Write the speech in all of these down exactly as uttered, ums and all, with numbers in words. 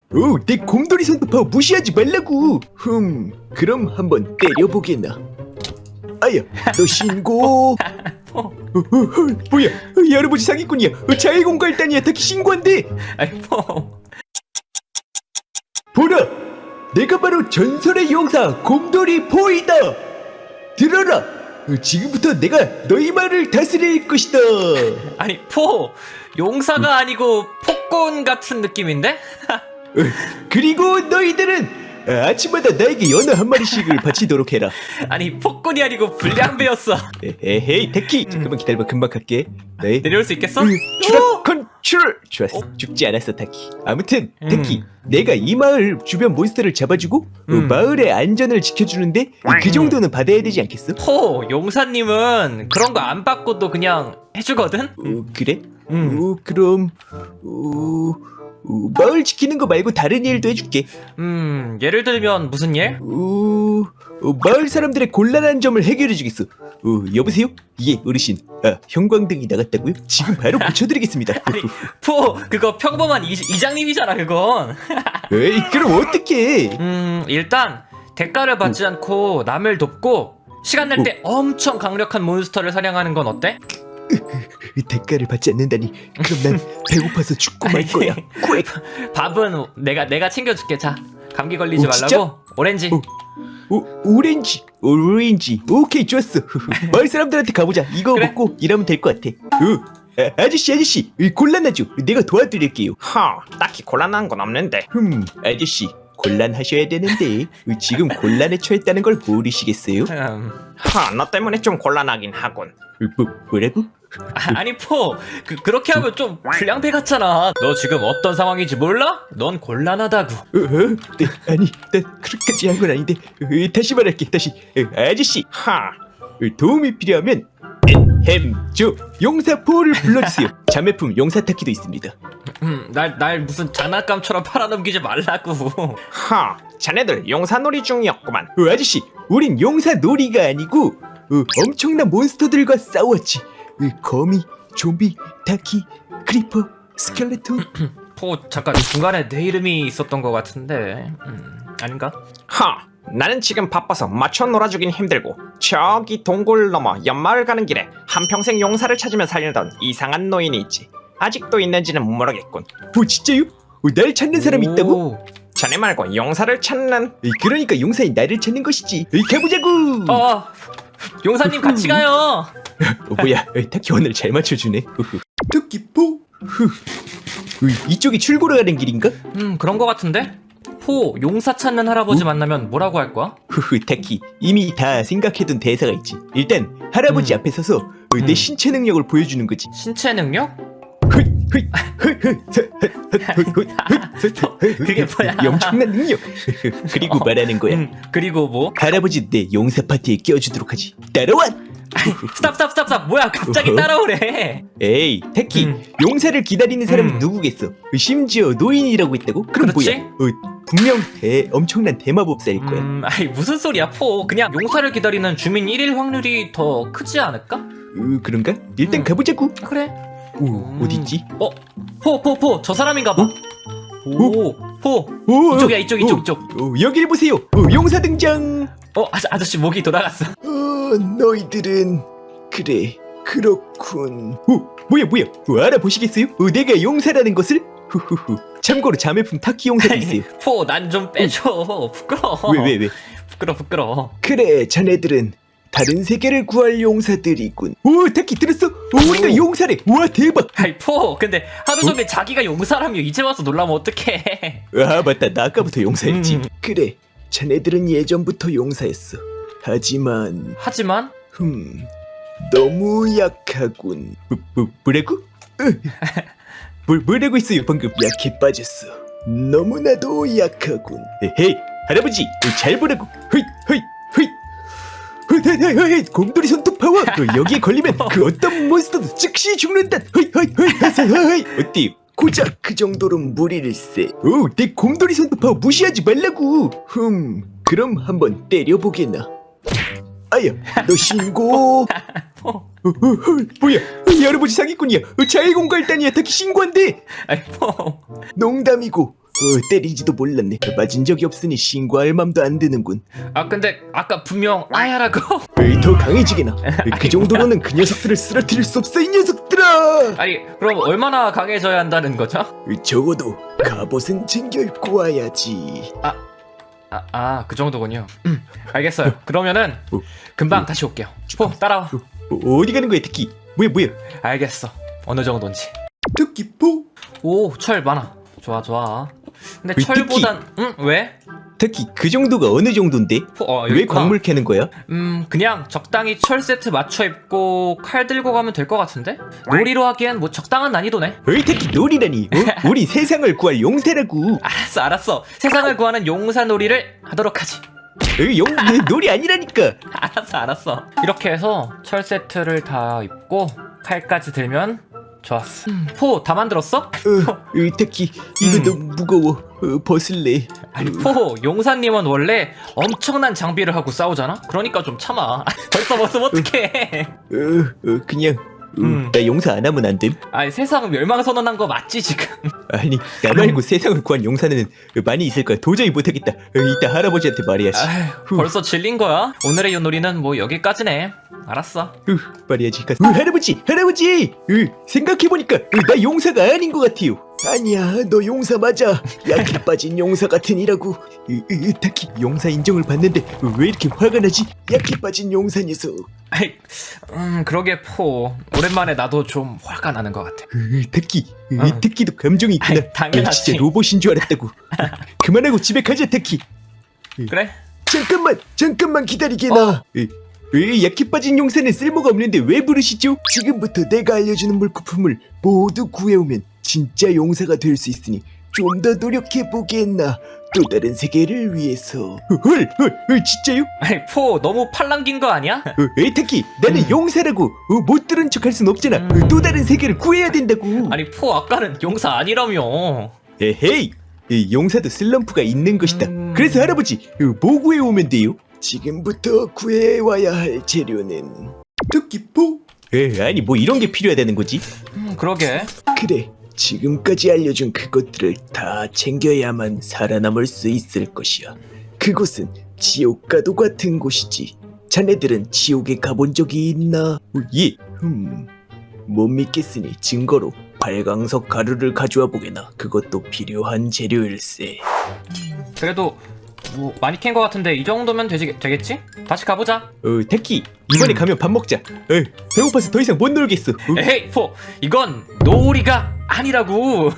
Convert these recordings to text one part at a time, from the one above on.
오, 내 곰돌이 손도 파워 무시하지 말라고. 흠, 그럼 한번 때려보게나. 아야, 너 신고. 어, 어, 어, 뭐야? 이 할아버지 사기꾼이야. 어, 자해공갈단이야. 특히 신고한대. 아이 포. 보라, 내가 바로 전설의 용사 곰돌이 포이다. 들어라. 어, 지금부터 내가 너희 말을 다스릴 것이다. 아니 포. 용사가 아니고 폭군 같은 느낌인데? 어, 그리고 너희들은 아침마다 나에게 연어 한 마리씩을 바치도록 해라. 아니 폭군이 아니고 불량배였어. 에헤이 테키, 잠깐만 기다려봐. 금방 갈게. 네. 내려올 수 있겠어? 추락 컨트롤. 좋았어. 죽지 않았어 타키. 아무튼 음. 테키, 내가 이 마을 주변 몬스터를 잡아주고 어, 음. 마을의 안전을 지켜주는데 그 정도는 받아야 되지 않겠어? 포 용사님은 그런 거 안 받고도 그냥 해주거든? 어, 그래? 음. 어, 그럼 어, 어, 마을 지키는 거 말고 다른 일도 해줄게. 음 예를 들면 무슨 일? 어, 어, 마을 사람들의 곤란한 점을 해결해주겠어. 어, 여보세요? 예, 어르신. 아, 형광등이 나갔다고요? 지금 바로 고쳐드리겠습니다. 아니 포 그거 평범한 이, 이장님이잖아 그건. 에이, 그럼 어떡해? 음 일단 대가를 받지 않고 남을 돕고 시간 날 때 엄청 강력한 몬스터를 사냥하는 건 어때? 대가를 받지 않는다니. 그럼 난 배고파서 죽고 말 거야. 꽥. 밥은 내가 내가 챙겨줄게. 자 감기 걸리지 오, 진짜? 말라고 오렌지. 어. 오, 오렌지, 오렌지. 오케이, 좋았어. 마을 사람들한테 가보자. 이거 그래. 먹고 일하면 될 것 같아. 어, 아, 아저씨, 아저씨, 이 곤란하죠? 내가 도와드릴게요. 허, 딱히 곤란한 건 없는데. 흠, 아저씨, 곤란하셔야 되는데 어, 지금 곤란에 처했다는 걸 모르시겠어요? 음, 허, 너 때문에 좀 곤란하긴 하군. 어, 뭐, 뭐라고? 아, 아니 포 그, 그렇게 하면 좀 불량배 같잖아. 너 지금 어떤 상황인지 몰라? 넌 곤란하다고. 어, 어? 네, 아니, 난 그렇게까지 한 건 아닌데. 어, 다시 말할게, 다시. 어, 아저씨, 허, 어, 도움이 필요하면 햄, 저 용사포를 불러주세요. 자매품 용사타키도 있습니다. 음, 날, 날 무슨 장난감처럼 팔아넘기지 말라고. 허, 자네들 용사놀이 중이었구만. 어, 아저씨, 우린 용사놀이가 아니고 어, 엄청난 몬스터들과 싸웠지. 어, 거미, 좀비, 타키, 크리퍼, 스켈레톤. 포 잠깐 중간에 내 이름이 있었던 것 같은데 음, 아닌가? 허, 나는 지금 바빠서 맞춰 놀아주긴 힘들고 저기 동굴 넘어 연마을 가는 길에 한평생 용사를 찾으며 살던 이상한 노인이 있지. 아직도 있는지는 모르겠군. 뭐 진짜요? 어, 날 찾는 사람이 있다고? 오. 자네 말고 용사를 찾는. 어, 그러니까 용사인 나를 찾는 것이지. 어, 가보자고. 어 용사님 같이 가요. 어, 뭐야, 어, 타키 오늘 잘 맞춰주네. 토끼포. 이쪽이 출구로 가는 길인가? 음 그런 것 같은데? 포 용사 찾는 할아버지 만나면 뭐라고 할 거야? 후후, 타키, 이미 다 생각해둔 대사가 있지. 일단 할아버지 음. 앞에 서서 어, 내 음. 신체 능력을 보여주는 거지. 신체 능력? 휘, 휘, 휘, 휘, 서, 헛, 헛, 헛, 헛, 헛, 헛, 그게 뭐야? 엄청난 능력. 그리고 어. 말하는 거야. 음, 그리고 뭐? 할아버지 내 용사 파티에 껴주도록 하지. 따라와. 스탑 스탑 스탑 스탑 뭐야 갑자기 어허. 따라오래. 에이, 타키, 음. 용사를 기다리는 사람은 음. 누구겠어? 심지어 노인이라고 했다고? 그럼 그렇지? 뭐야? 어, 분명 대 엄청난 대마법사일 거야. 음 아이 무슨 소리야 포 그냥 용사를 기다리는 주민 일 일 확률이 더 크지 않을까? 어, 그런가? 일단 음. 가보자고. 그래. 오, 음. 어딨지? 어? 포 포 포 저 사람인가 봐. 오, 포. 오, 이쪽이야, 이쪽, 이쪽, 어, 이쪽. 어, 여길 보세요. 어, 용사 등장. 어, 아, 아저씨 목이 돌아갔어. 어, 너희들은 그래, 그렇군. 어, 뭐야, 뭐야? 어, 알아보시겠어요? 어, 내가 용사라는 것을? 후후후. 참고로 자매품 타키 용사도 있어요. 포, 난 좀 빼줘. 부끄러워. 왜, 왜, 왜? 부끄러, 부끄러워. 그래, 자네들은 다른 세계를 구할 용사들이군. 오, 타키 들었어? 오, 우리가 오. 용사래. 와, 대박. 아이, 포, 근데 하루 종일 자기가 용사라며 이제 와서 놀라면 어떡해. 아, 맞다. 나 아까부터 용사였지. 음. 그래, 자네들은 예전부터 용사였어. 하지만 하지만, 흠, 너무 약하군. 뭐, 뭐, 뭐라고? 으. 뭘, 뭐라고 했어요 방금? 약해 빠졌어. 너무나도 약하군. 헤이, 할아버지, 잘 보라고. 헤이, 헤이, 헤이. 헤이, 헤이, 헤이, 헤이, 곰돌이 손톱 파워. 어, 여기에 걸리면 그 어떤 몬스터도 즉시 죽는다. 헤이, 헤이, 헤이, 헤이, 헤이. 어때요? 고작 그 정도는 무리일세. 오, 내 곰돌이 손톱 파워 무시하지 말라고. 흠, 그럼 한번 때려보게나. 아야, 너 신고. 포. 어, 어, 어, 뭐야? 이 할아버지 사기꾼이야. 어, 자해공갈단이야. 타키 신고한대. 아이, 포. 농담이고 어, 때리지도 몰랐네. 맞은 적이 없으니 신고할 맘도 안 드는군. 아 근데 아까 분명 아야라고. 에이, 더 강해지게나. 그 정도로는 그 녀석들을 쓰러뜨릴 수 없어 이 녀석들아. 아니 그럼 얼마나 강해져야 한다는 거죠? 적어도 갑옷은 챙겨 입고 와야지. 아, 아, 그 정도군요. 음, 알겠어요. 그러면은 어, 금방 어. 다시 올게요. 포, 따라와. 어, 어디 가는 거야 특히? 뭐야 뭐야? 알겠어. 어느 정도인지. 특히 포? 오, 철 많아. 좋아, 좋아. 근데 왜 철보단, 응? 왜? 특히 그 정도가 어느 정도인데? 포, 어, 여기 왜 있구나. 광물 캐는 거야? 음, 그냥 적당히 철 세트 맞춰 입고 칼 들고 가면 될 것 같은데? 놀이로 하기엔 뭐 적당한 난이도네. 어이 특히 놀이라니? 어? 우리 세상을 구할 용사라고. 알았어, 알았어. 세상을 구하는 용사 놀이를 하도록 하지. 어이, 용 놀이 아니라니까. 알았어, 알았어. 이렇게 해서 철 세트를 다 입고 칼까지 들면 좋았어. 음, 포 다 만들었어? 어, 어이, 특히 이거 음. 너무 무거워. 어, 벗을래. 아니 포 용사님은 원래 엄청난 장비를 하고 싸우잖아? 그러니까 좀 참아. 벌써 벗으면 어떡해. 어, 어, 그냥 어, 음. 나 용사 안 하면 안 됨? 아니 세상 멸망선언한 거 맞지 지금? 아니 나 말고 세상을 구한 용사는 많이 있을 거야. 도저히 못하겠다. 어, 이따 할아버지한테 말해야지. 아휴, 벌써 질린 거야? 오늘의 요놀이는 뭐 여기까지네. 알았어. 어, 말해야지. 가- 어, 할아버지 할아버지 어, 생각해보니까 어, 나 용사가 아닌 것 같아요. 아니야 너 용사 맞아. 약해 빠진 용사 같으니라고. 으, 으, 딱히 용사 인정을 받는데 어, 왜 이렇게 화가 나지? 약해 빠진 용사 녀석. 아이, 음 그러게 포 오랜만에 나도 좀 화가 나는 것 같아. 으, 특히 으, 어. 특히도 감정이 있구나. 아이, 당연하지. 어, 진짜 로봇인 줄 알았다고. 그만하고 집에 가자 특히. 그래? 잠깐만 잠깐만 기다리게나. 어. 으, 으, 약해 빠진 용사는 쓸모가 없는데 왜 부르시죠? 지금부터 내가 알려주는 물거품을 모두 구해오면 진짜 용사가 될 수 있으니 좀 더 노력해보겠나. 또 다른 세계를 위해서. 헐, 헐, 헐, 진짜요? 아니 포 너무 팔랑긴 거 아니야? 어, 에이 타키 나는 음. 용사라고. 어, 못 들은 척 할 순 없잖아. 어, 음. 또 다른 세계를 구해야 된다고. 아니 포 아까는 용사 아니라며. 에헤이, 이 용사도 슬럼프가 있는 것이다. 음. 그래서 할아버지 어, 뭐 구해오면 돼요? 지금부터 구해와야 할 재료는 토끼포? 에 아니 뭐 이런 게 필요하다는 거지? 음 그러게. 그래 지금까지 알려준 그것들을 다 챙겨야만 살아남을 수 있을 것이야. 그곳은 지옥과도 같은 곳이지. 자네들은 지옥에 가본 적이 있나? 어, 예. 음. 못 믿겠으니 증거로 발광석 가루를 가져와 보게나. 그것도 필요한 재료일세. 그래도 뭐 많이 캔 거 같은데 이 정도면 되지, 되겠지? 다시 가보자. 어 타키 이번에 음. 가면 밥 먹자. 에 배고파서 더 이상 못 놀겠어. 어, 에헤이 포 이건 놀이가 아니라고.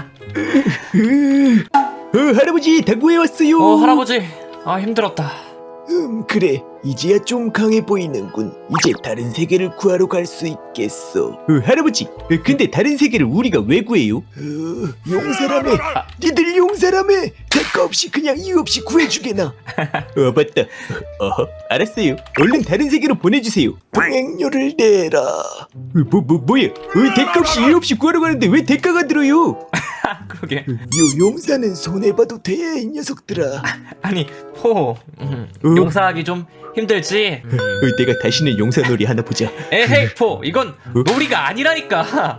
으, 어, 할아버지 다 구해왔어요. 어 할아버지 아 힘들었다. 음 그래 이제야 좀 강해 보이는군. 이제 다른 세계를 구하러 갈 수 있겠어. 어, 할아버지 어, 근데 다른 세계를 우리가 왜 구해요? 어, 용사라며. 니들 용사라며. 대가 없이 그냥 이유 없이 구해주게나. 어 맞다. 어 알았어요. 얼른 다른 세계로 보내주세요. 동행료를 내라. 어, 뭐, 뭐 뭐야? 어, 대가 없이 이유 없이 구하러 가는데 왜 대가가 들어요? 그러게. 요 용사는 손해봐도 돼 이 녀석들아. 아니 포 음, 어? 용사하기 좀 힘들지. 음. 어, 내가 다시는 용사놀이 하나 보자. 에헤이 포 이건 어? 놀이가 아니라니까.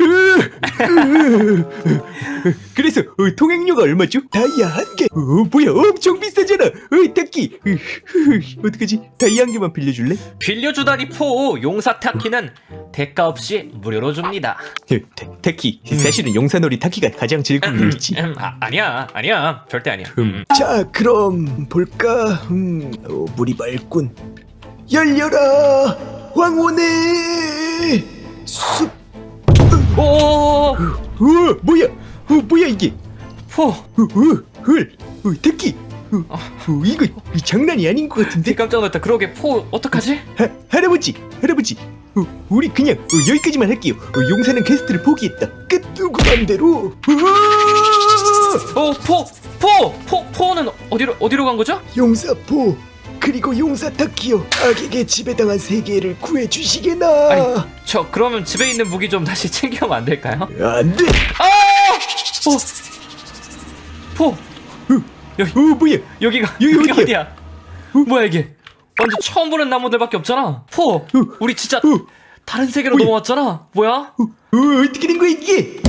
그래서 어, 통행료가 얼마죠? 다이아 한 개. 어, 뭐야 엄청 비싸잖아. 어, 타키. 어, 어떡하지? 다이아 한 개만 빌려줄래? 빌려주다니 포 용사 타키는 대가 없이 무료로 줍니다. 어, 타, 타키 사실은 용사놀이 타키가 가장 즐거운 일이지. 음, 아, 아니야 아니야 절대 아니야. 음. 자 그럼 볼까? 음, 어, 물이 맑군. 열려라 황혼의 숲. 오 어, 뭐야? 어, 뭐야 이게? 포 어, 어, 헐, 어, 타키. 어, 어, 이거 장난이 아닌 것 같은데? 깜짝 놀랐다. 그러게 포 어떡하지? 하, 할아버지, 할아버지, 어, 우리 그냥 어, 여기까지만 할게요. 어, 용사는 퀘스트를 포기했다. 끝 누구 맘대로. 어포포포 포는 어디로 어디로 간 거죠? 용사포 그리고 용사 타키요. 악에게 지배당한 세계를 구해주시게나. 아니 저 그러면 집에 있는 무기 좀 다시 챙겨오면 안 될까요? 안돼. 어! 포! 여기, 어 뭐야? 여기가, 여기 여기 어디야? 어디야? 뭐야 이게? 완전 처음 보는 나무들밖에 없잖아. 포! 우리 진짜 어. 다른 세계로 뭐야? 넘어왔잖아. 뭐야? 어, 어떻게 된 거야 이게?